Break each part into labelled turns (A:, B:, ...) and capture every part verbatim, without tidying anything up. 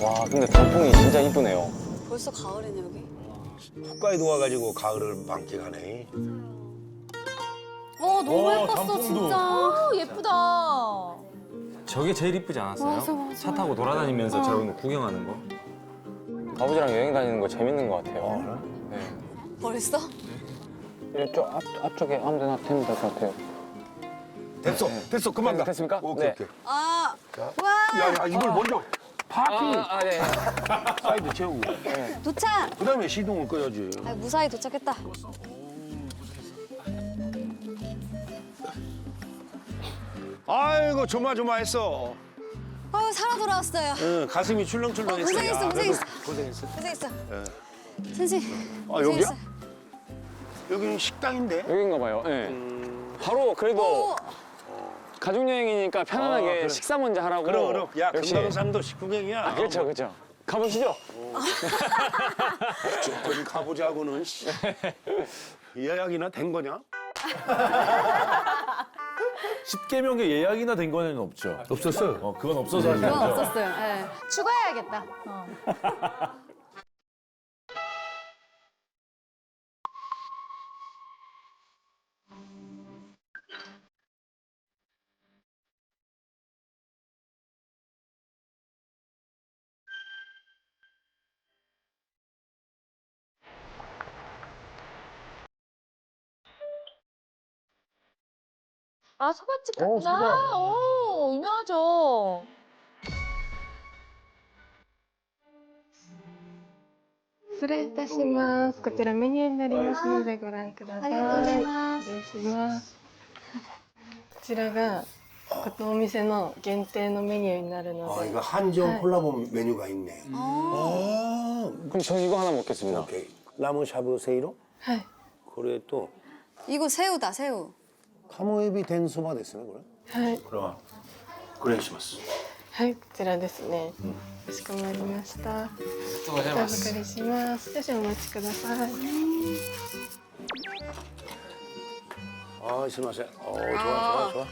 A: 와 근데 단풍이 진짜 이쁘네요.
B: 벌써 가을이네 여기.
C: 홋카이도 와가지고 가을을 만끽하네.
D: 어 너무
E: 와,
D: 예뻤어
E: 단풍도.
D: 진짜.
F: 어, 예쁘다.
E: 저게 제일 이쁘지 않았어요?
D: 맞아, 맞아.
E: 차 타고 돌아다니면서
D: 어.
E: 저런 거 구경하는 거.
A: 아버지랑 여행 다니는 거 재밌는 것 같아요.
C: 어,
A: 네.
B: 벌써?
A: 이쪽 앞, 앞쪽에 아무 데나 태우면 될 것 같아요.
C: 됐어, 됐어, 그만 가.
A: 됐습니까?
C: 오케이,
A: 네.
C: 오케이.
B: 아,
C: 자,
B: 와,
C: 야, 야, 이걸 먼저 파킹
A: 아, 아, 네.
C: 사이드 채우고.
B: 도착.
C: 그다음에 시동을 꺼야지.
B: 아, 무사히 도착했다.
C: 아이고 조마조마했어.
B: 아유 살아 돌아왔어요.
C: 응, 가슴이 출렁출렁했어.
B: 어, 고생했어,
C: 야,
B: 고생했어.
C: 그래도 고생했어.
B: 고생했어.
C: 예.
B: 선생.
C: 아, 여기야? 여기는 식당인데.
A: 여긴가 봐요. 네.
C: 음,
A: 바로 그래도
B: 오,
A: 가족 여행이니까 편안하게
C: 어, 그래.
A: 식사 먼저 하라고.
C: 그럼 그럼. 야,
A: 역시.
C: 금강산도 식구경이야.
A: 아, 그렇죠, 그렇죠. 가보시죠.
C: 조금 가보자고는. 씨. 예약이나 된 거냐?
E: 십계명에 예약이나 된 거는 없죠.
C: 없었어요.
E: 어, 그건 없어서 하신
B: 그건
E: 거죠.
B: 없었어요. 예.
F: 추가해야겠다. 어. 아, 소밭집 같구나. 오, 유명하죠.
G: 失礼いたします。こちらメニューになりますのでご覧ください。
B: ありがとうございます
G: 失礼します。こちらがこのお店の限定のメニューになるの
C: 아,
G: で。
C: 이거 한정
G: 네.
C: 콜라보 메뉴가 있네. 아,
A: 그럼 저 이거 하나 먹겠습니다.
C: 오케이. 라무 샤브 세이로?
G: はい。
C: 그래 또
B: 이거 새우다 새우.
C: 카모에비 덴소바 됐으네 그래.
G: はい。
C: 그럼 그래 시마스.
G: はい、こちらですね。かしこまりました。お預かりします。少々お待ちください。
C: 아, 스마세. 어, 좋아, 좋아, 좋아.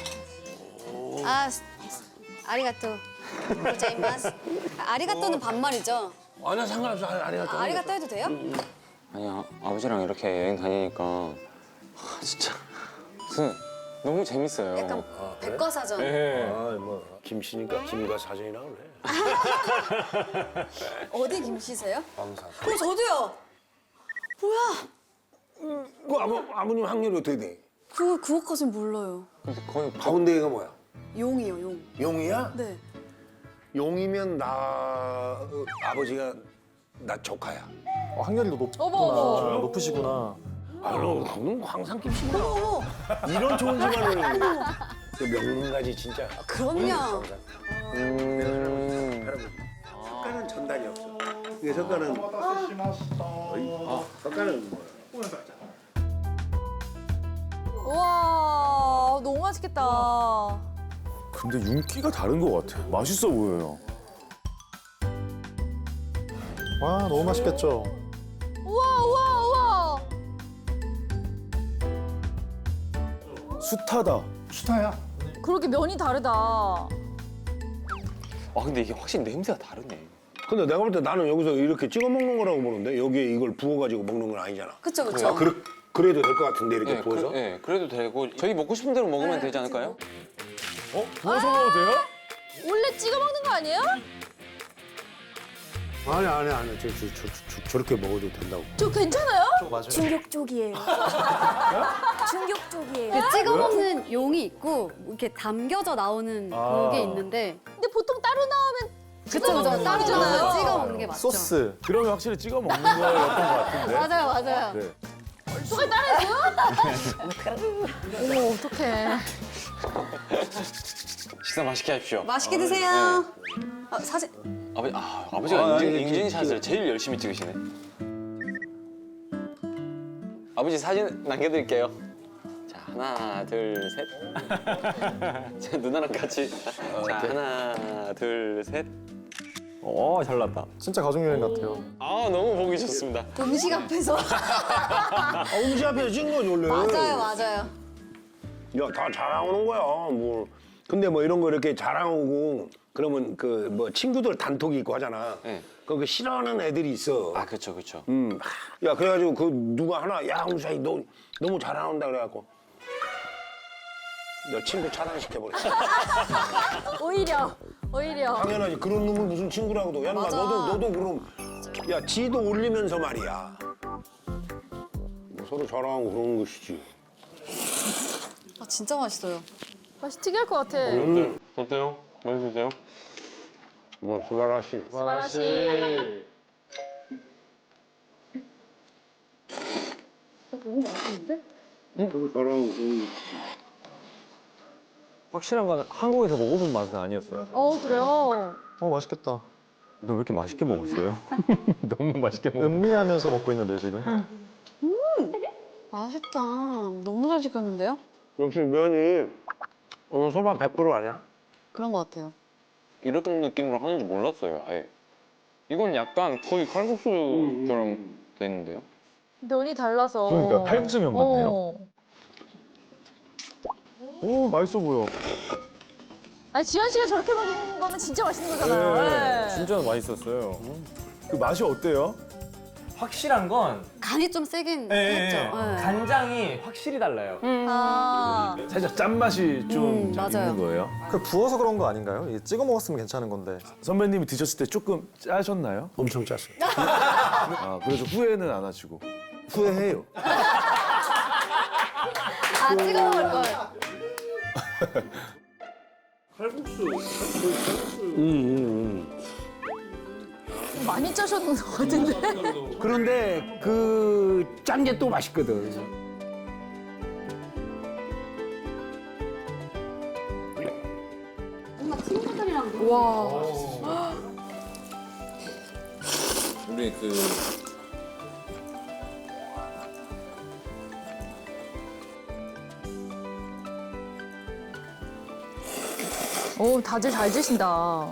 B: 아, 스- 아리가또. 고자이마스. 아, 아리가또는 반말이죠.
C: 아니야, 상관없어. 아리가또.
B: 아, 아리가또 해도 돼요?
A: 아니 아, 아버지랑 이렇게 여행 다니니까 아, 진짜 무슨 너무 재밌어요.
B: 약간
C: 그래?
B: 백과사전.
A: 네.
C: 아, 뭐 김씨니까 김과 사전이라 그래.
B: 어디 김씨세요?
C: 방사.
B: 어, 저도요. 뭐야?
C: 그 아버 아버님 학렬이 어떻게 돼?
B: 그 그것까진 몰라요.
A: 근데 거의
C: 가운데가 뭐야?
B: 용이요, 용.
C: 용이야?
B: 네.
C: 용이면 나 어, 아버지가 나 조카야.
E: 어, 학렬이도 높구나.
F: 어머, 어머.
E: 높으시구나.
C: 아, 너 그건 항상 김씨구나.
B: 어머,
C: 이런 좋은 집안을 그 명문가지 진짜.
B: 그럼요.
A: 음...
C: 석가는 전단이 없어. 이게 석가는 아, 석가는 뭐야?
F: 우와, 너무 맛있겠다.
E: 근데 윤기가 다른 것 같아. 맛있어 보여요.
H: 와 너무 맛있겠죠.
F: 우와, 우와, 우와.
E: 숱하다.
C: 수타야.
F: 그렇게 면이 다르다.
A: 아 근데 이게 확실히 냄새가 다르네.
C: 근데 내가 볼 때 나는 여기서 이렇게 찍어 먹는 거라고 보는데 여기에 이걸 부어가지고 먹는 건 아니잖아.
B: 그쵸, 그쵸.
C: 아, 그래, 그래도 될 것 같은데 이렇게
A: 네,
C: 부어서?
A: 그, 네, 그래도 되고 저희 먹고 싶은 대로 먹으면 되지 않을까요?
E: 어? 부어서 먹어도 돼요?
F: 원래 찍어 먹는 거 아니에요?
C: 아니 아니 아니 저, 저, 저, 저, 저렇게 먹어도 된다고.
F: 저 괜찮아요?
D: 중격 쪽이에요. 중격 쪽이에요.
B: 그 찍어 먹는 용이 있고 이렇게 담겨져 나오는 그게 있는데.
F: 근데 보통 따로 나오면
B: 그쵸,
F: 찍어
B: 그쵸.
F: 먹는
B: 따로
F: 거잖아요.
B: 나오면 찍어 먹는 게 맞죠.
H: 소스.
E: 그러면 확실히 찍어 먹는 거였던 것 같은데.
B: 맞아요, 맞아요.
E: 네.
F: 저걸 따라해줘요? 어머, 어떡해.
A: 식사 맛있게 하십시오.
B: 맛있게 드세요. 아, 사진.
A: 아버지, 아, 아버지가
C: 아,
A: 인증,
C: 아니,
A: 인증샷을 제일 열심히 찍으시네. 아버지 사진 남겨드릴게요. 자, 하나, 둘, 셋. 자, 누나랑 같이. 자, 하나, 둘, 셋. 오, 잘 났다.
H: 진짜 가족 여행 같아요.
A: 아, 너무 보기 좋습니다.
B: 음식 앞에서.
C: 아, 음식 앞에서 찍은 거지 원래.
B: 맞아요, 맞아요.
C: 야, 다 자랑하는 거야. 뭐. 근데 뭐 이런 거 이렇게 자랑하고 그러면 그 뭐 친구들 단톡이 있고 하잖아.
A: 네.
C: 그 싫어하는 애들이 있어.
A: 아 그쵸 그쵸.
C: 음. 야 그래가지고 그 누가 하나 야 홍사이 너 너무 잘 나온다 그래갖고 너 친구 차단시켜버렸어.
F: 오히려 오히려.
C: 당연하지. 그런 놈을 무슨 친구라고도. 야, 인마
B: 맞아.
C: 너도 너도 그럼. 야, 지도 올리면서 말이야. 뭐 서로 자랑하고 그러는 것이지.
B: 아 진짜 맛있어요.
F: 맛이 특이할 것 같아.
C: 음.
A: 어때요? 맛있으세요?
C: 뭐 수바라시.
F: 맛이.
C: 서로 자랑하고.
I: 확실한 건 한국에서 먹어본 맛은 아니었어요.
F: 어 그래요.
H: 어 맛있겠다.
I: 너 왜 이렇게 맛있게 먹었어요? 너무 맛있게 먹었어.
H: 음미하면서 먹고 있는데 지금.
B: 맛있다. 너무 잘 시켰는데요?
C: 역시 면이 오늘 소바 백 퍼센트 아니야?
B: 그런 것 같아요.
A: 이런 느낌으로 하는지 몰랐어요. 아예. 이건 약간 거의 칼국수처럼 돼 있는데요.
F: 면이 달라서.
I: 그러니까 칼국수면 같네요.
F: 어.
I: 오 맛있어 보여.
F: 아니 지현 씨가 저렇게 먹는 거는 진짜 맛있는 거잖아요. 네.
I: 진짜 맛있었어요.
E: 그 맛이 어때요?
J: 확실한 건
B: 간이 좀 세긴
J: 예,
B: 했죠.
J: 예.
B: 네.
J: 간장이 확실히 달라요.
F: 아.
E: 살짝 짠맛이 좀
B: 음, 맞아요.
E: 있는 거예요?
H: 그 부어서 그런 거 아닌가요? 이게 찍어 먹었으면 괜찮은 건데.
E: 선배님이 드셨을 때 조금 짜셨나요?
C: 엄청 짰어.
E: 아, 그래서 후회는 안 하시고.
C: 후회해요.
B: 아 찍어 먹을 걸.
C: 음, 음,
F: 많이 짜셨는 것 같은데.
C: 음. 그런데 그 짠 게 또 맛있거든.
B: 엄마 친구들이랑
A: 우리 그
F: 오 다들 잘 드신다.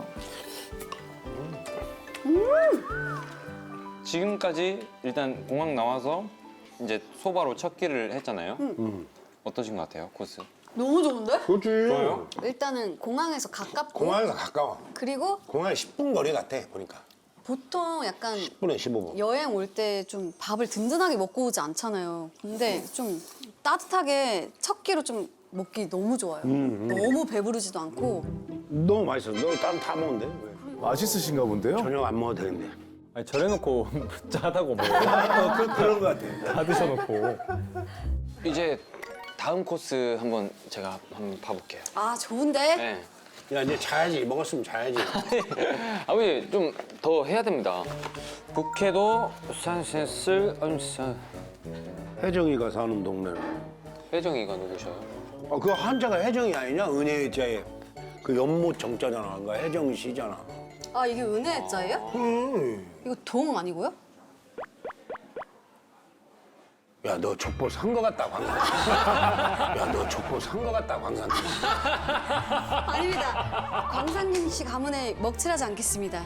A: 지금까지 일단 공항 나와서 이제 소바로 첫 끼를 했잖아요.
C: 음.
A: 어떠신 것 같아요, 코스?
B: 너무 좋은데?
C: 그렇지.
A: 좋아요?
B: 일단은 공항에서 가깝고
C: 공항에서 가까워.
B: 그리고
C: 공항에 십 분 거리 같아 보니까.
B: 보통 약간
C: 십 분에 십오 분.
B: 여행 올 때 좀 밥을 든든하게 먹고 오지 않잖아요. 근데 좀 따뜻하게 첫 끼로 좀 먹기 너무 좋아요.
C: 음, 음.
B: 너무 배부르지도 않고
C: 너무 맛있어. 너 다른 다 먹으면 돼. 왜?
E: 맛있으신가 본데요?
C: 저녁 안 먹어도 되는데.
I: 아니 저래놓고 짜다고 먹어요.
C: 어, 그, 그런 거 같아.
I: 다 드셔놓고.
A: 이제 다음 코스 한번 제가 한번 봐볼게요.
B: 아 좋은데?
A: 네.
C: 야 이제 자야지. 먹었으면 자야지.
A: 아버지 좀 더 해야 됩니다. 북해도 산센스 엄산
C: 혜정이가 사는 동네는.
A: 회정이가 누구셔요?
C: 아, 그 한자가 혜정이 아니냐? 은혜의 자에 그 연못 정자잖아. 그 혜정 씨잖아.
B: 아 이게 은혜의 자예요?
C: 음.
B: 이거 동 아니고요?
C: 야, 너 족보 산 거 같다, 광산. 야, 너 족보 산 거 같다, 광산.
B: 아닙니다. 광산님 씨 가문에 먹칠하지 않겠습니다.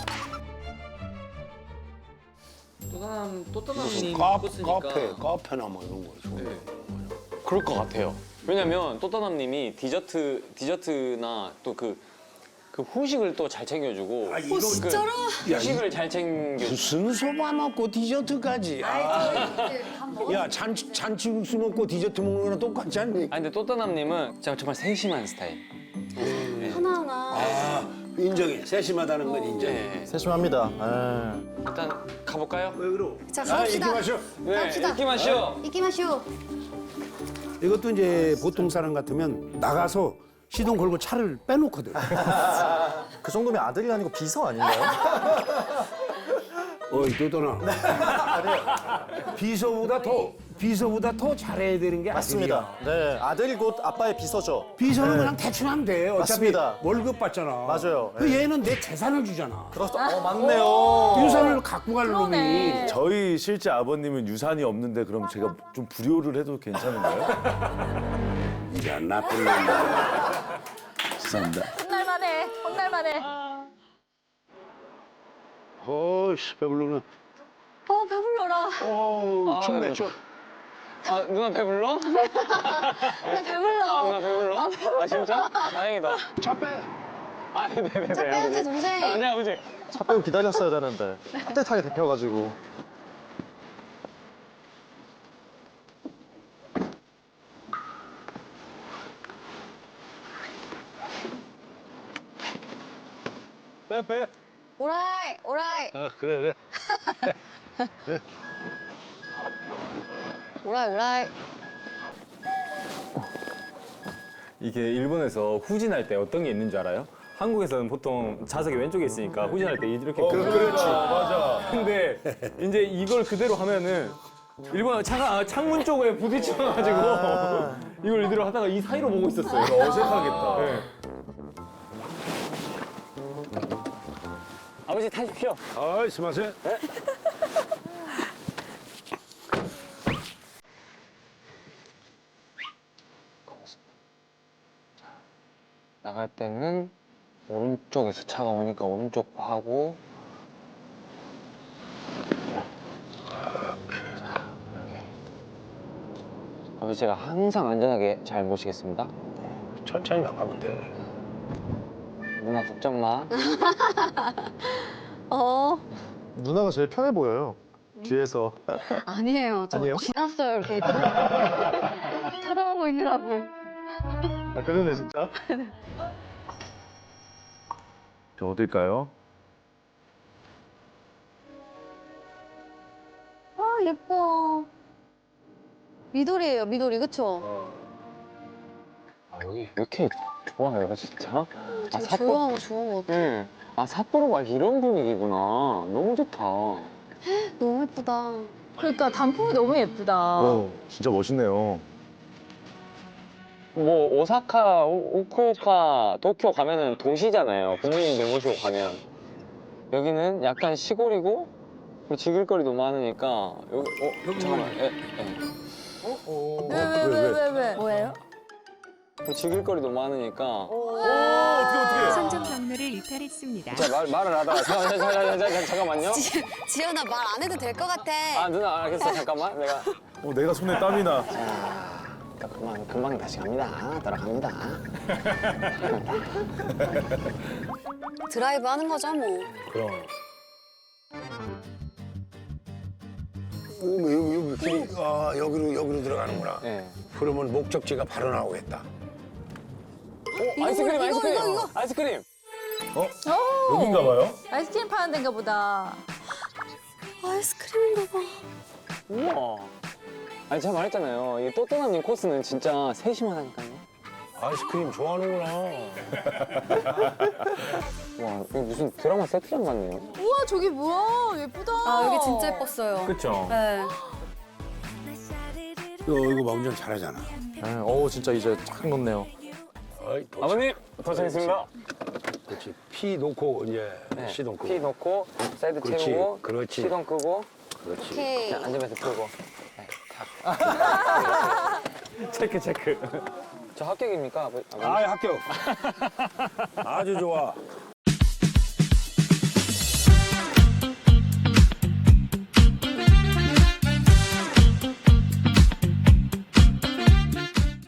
A: 또다남 또다남님
C: 카, 카페, 카페나 뭐 이런 거. 좋은 거.
A: 그럴 것 같아요. 왜냐면 또다남님이 디저트 디저트나 또 그 그 후식을 또 잘 챙겨주고.
C: 아, 이거-
B: 어 진짜로?
A: 그 후식을 잘 챙겨.
C: 무슨 소바 먹고 디저트까지. 아. 야, 잔치, 잔치국수 먹고 디저트 먹는 거랑 똑같지 않니?
A: 아 근데 또다남님은 진짜 정말 세심한 스타일.
B: 하나하나.
C: 아, 인정해. 세심하다는 건 인정해.
A: 네.
H: 세심합니다. 예.
A: 일단 가볼까요?
C: 왜 그러?
B: 자
C: 아,
B: 갑시다.
C: 이렇게 마셔.
A: 네.
B: 갑시다.
A: 이렇게 마시오.
B: 이끼 마시오.
C: 이것도 이제 보통 사람 같으면 나가서 시동 걸고 차를 빼놓거든.
H: 그 정도면 아들이 아니고 비서 아닌가요?
C: 어이, 또떠나. 비서보다 더, 비서보다 더 잘해야 되는 게
H: 맞습니다. 네, 아들이 곧 아빠의 비서죠.
C: 비서는
H: 네.
C: 그냥 대충 하면 돼. 어차피
H: 맞습니다.
C: 월급 받잖아.
H: 맞아요.
C: 그
H: 네.
C: 얘는 내 재산을 주잖아.
H: 그렇죠. 어, 맞네요.
C: 유산을 갖고 갈 놈이.
F: 그러네.
E: 저희 실제 아버님은 유산이 없는데 그럼 제가 좀 불효를 해도 괜찮은가요?
C: 이제 나쁜 놈이야. 싼다.
F: 혼날만해. 혼날만해.
C: 어이씨, 배불러나.
B: 어 배불러라.
C: 어, 춥네, 추워.
A: 아 누나 배불러?
B: 나 배불러.
A: 누나 배불러? 아 진짜? 다행이다.
C: 차 빼.
A: 아, 네네네.
B: 첫 번째 동생.
A: 아, 네, 아버지.
H: 차 빼고 기다렸어야 되는데 따뜻하게 데펴가지고.
C: 빼 빼.
B: 오라이, 오라이.
C: 아 그래 그래.
B: 오라이, 오라이.
I: 이게 일본에서 후진할 때 어떤 게 있는 줄 알아요? 한국에서는 보통 좌석이 왼쪽에 있으니까 후진할 때 이렇게.
E: 어, 그렇지. 맞아.
I: 근데 이제 이걸 그대로 하면은 일본 차가 창문 쪽에 부딪혀가지고 이걸 이대로 하다가 이 사이로 보고 있었어요.
E: 이거 어색하겠다.
I: 네.
A: 아버지 타십시오.
C: 아이 스마세.
A: 나갈 때는 오른쪽에서 차가 오니까 오른쪽 하고 아버지 제가 항상 안전하게 잘 모시겠습니다.
C: 천천히 나가면 돼.
A: 누나 걱정 마.
B: 어,
H: 누나가 제일 편해 보여요. 뒤에서.
B: 아니에요. 저
H: 아니에요?
B: 지났어요, 이렇게. 쳐다보고 있느라고.
H: 아 그러네 진짜.
E: 저 어딜까요?
B: 아, 예뻐. 미도리예요, 미도리, 그쵸?
A: 아 여기 왜 이렇게 좋아요 진짜? 아
B: 되게 조용하고 좋은 것 같아.
A: 응. 아 삿포로가 이런 분위기구나. 너무 좋다.
B: 너무 예쁘다.
F: 그러니까 단풍이 너무 예쁘다.
E: 어, 진짜 멋있네요.
A: 뭐 오사카, 오- 오쿠오카, 도쿄 가면은 도시잖아요. 부모님들 모시고 가면. 여기는 약간 시골이고 그리고 즐길거리도 많으니까 여기 어 잠깐만. 예, 예.
F: 왜 왜 왜 왜 왜?
D: 뭐예요?
A: 그리고 즐길거리도 많으니까
E: 오, 어떻게 어떻게?
K: 선전 경로를 이탈했습니다.
A: 제가 말, 말을 하다가 잠깐, 잠깐, 잠깐, 잠깐, 잠깐만요.
B: 지, 지연아, 말 안 해도 될 것 같아.
A: 아 누나 알겠어 잠깐만 내가
E: 어, 내가 손에 땀이 나.
A: 자 금방 금방 다시 갑니다. 돌아갑니다.
B: 드라이브 하는 거죠, 뭐.
C: 그럼. 오, 여기 여기 길이 아 여기로 여기로 들어가는구나.
A: 네.
C: 그러면 목적지가 바로 나오겠다.
A: 오 아이스크림
B: 이거,
A: 아이스크림
B: 이거, 이거.
A: 아이스크림.
F: 오,
E: 여긴가 봐요?
F: 아이스크림 파는 데인가 보다.
B: 아이스크림인가 봐.
A: 우와. 아니 제가 말했잖아요. 이 또또나님 코스는 진짜 셋이만 하니까요.
C: 아이스크림 좋아하는구나.
A: 와 이거 무슨 드라마 세트장 같네요.
F: 우와 저기 뭐야 예쁘다.
B: 아, 여기 진짜 예뻤어요.
I: 그쵸?
B: 네.
C: 너 이거 막 운전 잘하잖아.
H: 네, 어우 진짜 이제 쫙 넣네요.
C: 어이, 도착.
A: 아버님 도착했습니다.
C: 그렇지. 피 놓고 이제
A: 네.
C: 시동 끄고.
A: 피 넣고 사이드
C: 그렇지,
A: 채우고
C: 그렇지.
A: 시동 끄고
C: 그렇지.
B: 오케이.
A: 그냥 앉으면서 끄고. 네,
I: 체크 체크.
A: 저 합격입니까? 아버- 아버님?
C: 아 합격. 아주 좋아.